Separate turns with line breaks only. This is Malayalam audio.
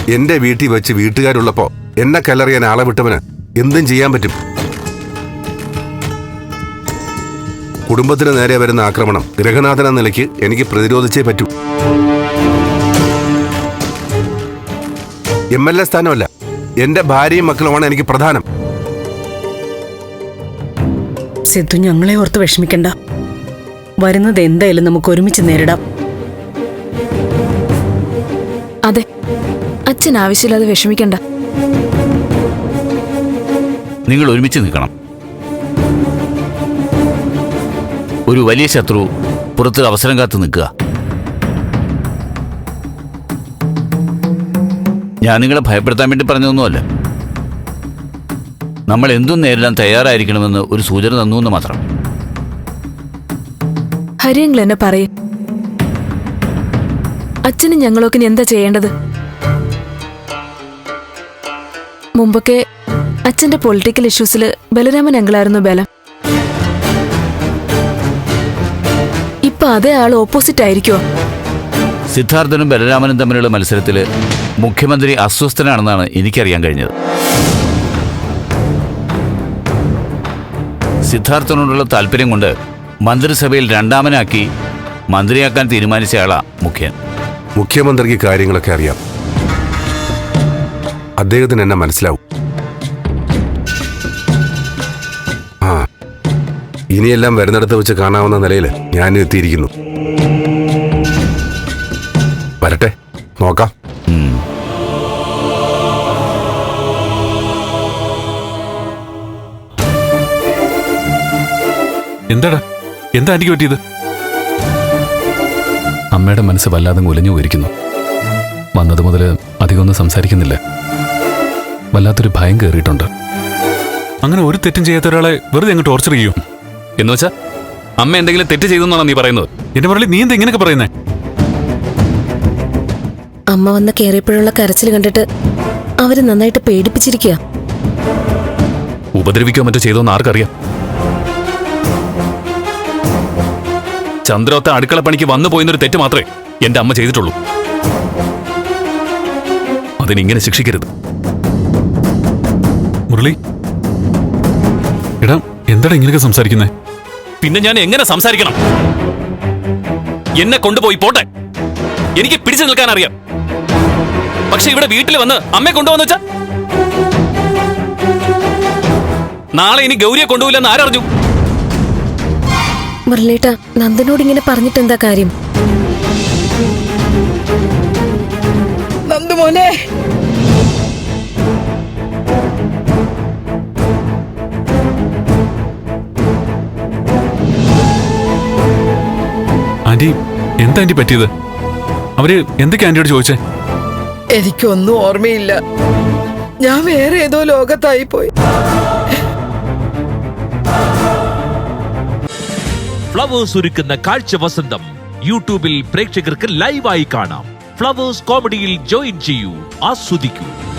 എന്റെ വീട്ടിൽ വെച്ച് വീട്ടുകാരുള്ളപ്പോ എന്നെ കല്ലെറിയാൻ ആളെ വിട്ടവന് എന്തും ചെയ്യാൻ പറ്റും. കുടുംബത്തിന് നേരെ വരുന്ന ആക്രമണം ഗൃഹനാഥൻ എന്ന നിലയ്ക്ക് എനിക്ക് പ്രതിരോധിച്ചേ പറ്റൂ. MLA സ്ഥാനമല്ല, എന്റെ ഭാര്യയും മക്കളുമാണ് എനിക്ക് പ്രധാനം.
സിദ്ധു, ഞങ്ങളെ ഓർത്ത് വിഷമിക്കണ്ട. വരുന്നത് എന്തായാലും നമുക്ക് ഒരുമിച്ച് നേരിടാം.
അതെ, അച്ഛൻ ആവശ്യമില്ലാതെ വിഷമിക്കണ്ട.
നിങ്ങൾ ഒരുമിച്ച് നിൽക്കണം. ഒരു വലിയ ശത്രു പുറത്ത് അവസരം കാത്തു നിൽക്കുക. ഞാൻ നിങ്ങളെ ഭയപ്പെടുത്താൻ വേണ്ടി പറഞ്ഞതൊന്നുമല്ല. നമ്മൾ എന്തും നേരിടാൻ തയ്യാറായിരിക്കണമെന്ന് ഒരു സൂചന തന്നു എന്ന് മാത്രം.
ഹരിയങ്ങൾ എന്നെ പറയും. അച്ഛനും ഞങ്ങളൊക്കെ എന്താ ചെയ്യേണ്ടത്? മുമ്പൊക്കെ അച്ഛന്റെ പൊളിറ്റിക്കൽ ഇഷ്യൂസിൽ ബലരാമൻ അങ്കിളായിരുന്നു ബലം. ഇപ്പൊ അതേ ആൾ ഓപ്പോസിറ്റ് ആയിരിക്കുമോ?
സിദ്ധാർത്ഥനും ബലരാമനും തമ്മിലുള്ള മത്സരത്തിൽ മുഖ്യമന്ത്രി അസ്വസ്ഥനാണെന്നാണ് എനിക്കറിയാൻ കഴിഞ്ഞത്. സിദ്ധാർത്ഥനോടുള്ള താല്പര്യം കൊണ്ട് മന്ത്രിസഭയിൽ രണ്ടാമനാക്കി മന്ത്രിയാക്കാൻ തീരുമാനിച്ചയാളാ മുഖ്യൻ.
മുഖ്യമന്ത്രിക്ക് കാര്യങ്ങളൊക്കെ അറിയാം. അദ്ദേഹത്തിന് എന്നെ മനസ്സിലാവും. ആ, ഇനിയെല്ലാം വരുന്നിടത്ത് വെച്ച് കാണാവുന്ന നിലയിൽ ഞാൻ എത്തിയിരിക്കുന്നു. വരട്ടെ, നോക്കാം.
എന്താടാ, എന്താ ആന്റിക്ക് പറ്റിയത്?
അമ്മയുടെ മനസ്സ് വല്ലാതെ ഉലഞ്ഞു പോയിരിക്കുന്നു. വന്നത് മുതൽ അധികമൊന്നും സംസാരിക്കുന്നില്ല. വല്ലാത്തൊരു ഭയം കയറിയിട്ടുണ്ട്.
അങ്ങനെ ഒരു തെറ്റും ചെയ്യാത്ത ഒരാളെ വെറുതെ അങ്ങ് ടോർച്ചർ ചെയ്യൂ
എന്ന് വെച്ചാ അമ്മ എന്തെങ്കിലും തെറ്റ് ചെയ്തെന്നാണോ നീ പറയുന്നത്?
എന്റെ മുരളി, നീ എന്താ ഇങ്ങനെയൊക്കെ പറയുന്നേ?
അമ്മ വന്ന് കയറിയപ്പോഴുള്ള കരച്ചിൽ കണ്ടിട്ട് അവര് നന്നായിട്ട് പേടിപ്പിച്ചിരിക്കുക.
ഉപദ്രവിക്കോ മറ്റോ ചെയ്തോന്ന് ആർക്കറിയാം? ചന്ദ്രോത്ത അടുക്കള പണിക്ക് വന്നു പോയെന്നൊരു തെറ്റ് മാത്രമേ എന്റെ അമ്മ ചെയ്തിട്ടുള്ളൂ. അതിനിങ്ങനെ ശിക്ഷിക്കരുത്.
മുരളി, എടാ, എന്താടാ ഇങ്ങനെയൊക്കെ സംസാരിക്കുന്നേ?
പിന്നെ ഞാൻ എങ്ങനെ സംസാരിക്കണം? എന്നെ കൊണ്ടുപോയി പോട്ടെ, എനിക്ക് പിടിച്ചു നിൽക്കാൻ അറിയാം. പക്ഷെ ഇവിടെ വീട്ടിൽ വന്ന് അമ്മയെ കൊണ്ടുപോകാന്ന് വെച്ചാ നാളെ ഇനി ഗൗരിയെ കൊണ്ടുപോയില്ലെന്ന് ആരറിഞ്ഞു?
മുരളീട്ട, നന്ദനോട് ഇങ്ങനെ പറഞ്ഞിട്ട് എന്താ കാര്യം?
നന്ദുമോനെ,
ആന്റി, എന്താ ആന്റി പറ്റിയത്? അവര് എന്തൊക്കെ ആന്റിയോട് ചോദിച്ചേ?
എനിക്കൊന്നും ഓർമ്മയില്ല. ഞാൻ വേറെ ഏതോ ലോകത്തായി പോയി.
ഫ്ലവേഴ്സ് ഒരുക്കുന്ന കാഴ്ച വസന്തം യൂട്യൂബിൽ പ്രേക്ഷകർക്ക് ലൈവായി കാണാം. ഫ്ലവേഴ്സ് കോമഡിയിൽ ജോയിൻ ചെയ്യൂ, ആസ്വദിക്കൂ.